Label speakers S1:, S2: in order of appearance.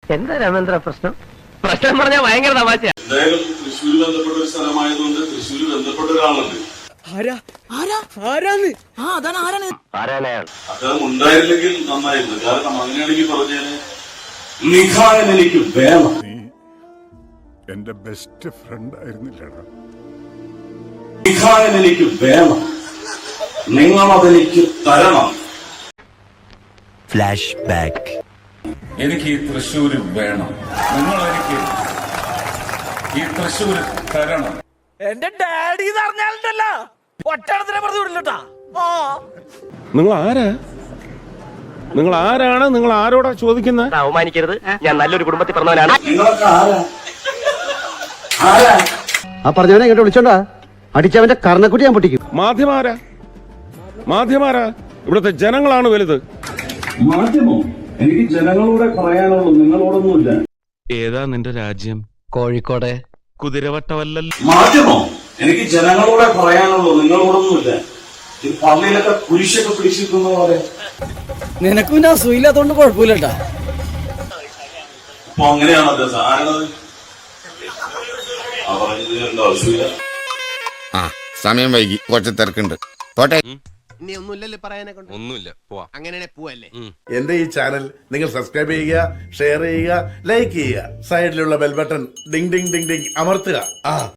S1: എന്താ രാമേന്ദ്ര പ്രശ്നം? പ്രശ്നം പറഞ്ഞാൽ ഭയങ്കര തമാശ.
S2: എന്തായാലും തൃശ്ശൂർ ബന്ധപ്പെട്ട ഒരു സ്ഥലമായതുകൊണ്ട് തൃശ്ശൂർ ബന്ധപ്പെട്ട ഒരാളുണ്ട്. അദ്ദേഹം ഉണ്ടായിരുന്നെങ്കിൽ നന്നായിരുന്നു. കാരണം അങ്ങനെയാണെങ്കിൽ പറഞ്ഞേനെ നിഖാൻ എനിക്ക് വേണം.
S3: എന്റെ ബെസ്റ്റ് ഫ്രണ്ട് ആയിരുന്നില്ലടാ.
S2: നിഖാൻ എനിക്ക് വേണം, നിങ്ങളതെനിക്ക് തരണം.
S4: Flash back.
S5: എനിക്ക് ഈ തൃശ്ശൂര് വേണം, നിങ്ങൾ എനിക്ക് ഈ തൃശ്ശൂര് തരണം.
S6: എന്റെ ഡാഡി പറഞ്ഞാലുണ്ടല്ലോ ഒറ്റടത്തിനെ പറഞ്ഞു വിടില്ലട്ടാ.
S7: നിങ്ങൾ ആരാണ്? നിങ്ങൾ ആരോടാ ചോദിക്കുന്നത്?
S1: അവമാനിക്കരുത്, ഞാൻ നല്ലൊരു കുടുംബത്തിൽ പറഞ്ഞവനാണ്.
S2: നിങ്ങളൊക്കെ ആരാ?
S8: ആ പറഞ്ഞവനെ ഇങ്ങോട്ട് വിളിച്ചോണ്ടാ അടിച്ചവന്റെ കർണക്കുട്ടി ഞാൻ പൊട്ടിക്കും.
S7: മാധ്യമാരാ ഇവിടുത്തെ ജനങ്ങളാണ് വലുത്.
S2: മാധ്യമോ? എനിക്ക് ജനങ്ങളോടെ പറയാനുള്ളൂ, നിങ്ങളോടൊന്നുമില്ല.
S7: ഏതാ നിന്റെ രാജ്യം?
S8: കോഴിക്കോട്.
S7: കുതിരവട്ടമല്ലല്ലോ.
S2: മാധ്യമോ? എനിക്ക് ജനങ്ങളോടെ പറയാനുള്ളൂ, നിങ്ങളോടൊന്നുമില്ല. ഈ പള്ളിയിലൊക്കെ കുരിശൊക്കെ പിടിച്ചിരിക്കുന്ന പോലെ.
S6: നിനക്കും ഞാൻ സുഖമില്ലാത്തോണ്ട് കുഴപ്പമില്ലട്ടാ.
S2: അപ്പൊ അങ്ങനെയാണ് അദ്ദേഹം ആരാണത്? ആ പറഞ്ഞത് എന്തോ ആവശ്യമില്ല.
S4: സമയം വൈകി, കുറച്ച് തിരക്കുണ്ട്. പോട്ടെ.
S9: ഇനി ഒന്നുമില്ലല്ലേ പറയാനെ കൊണ്ട്?
S4: ഒന്നുമില്ല, പോവാ.
S9: അങ്ങനെ പോവല്ലേ?
S3: എന്റെ ഈ ചാനൽ നിങ്ങൾ സബ്സ്ക്രൈബ് ചെയ്യുക, ഷെയർ ചെയ്യുക, ലൈക്ക് ചെയ്യുക. സൈഡിലുള്ള bell button ding ding ding ding അമർത്തുക.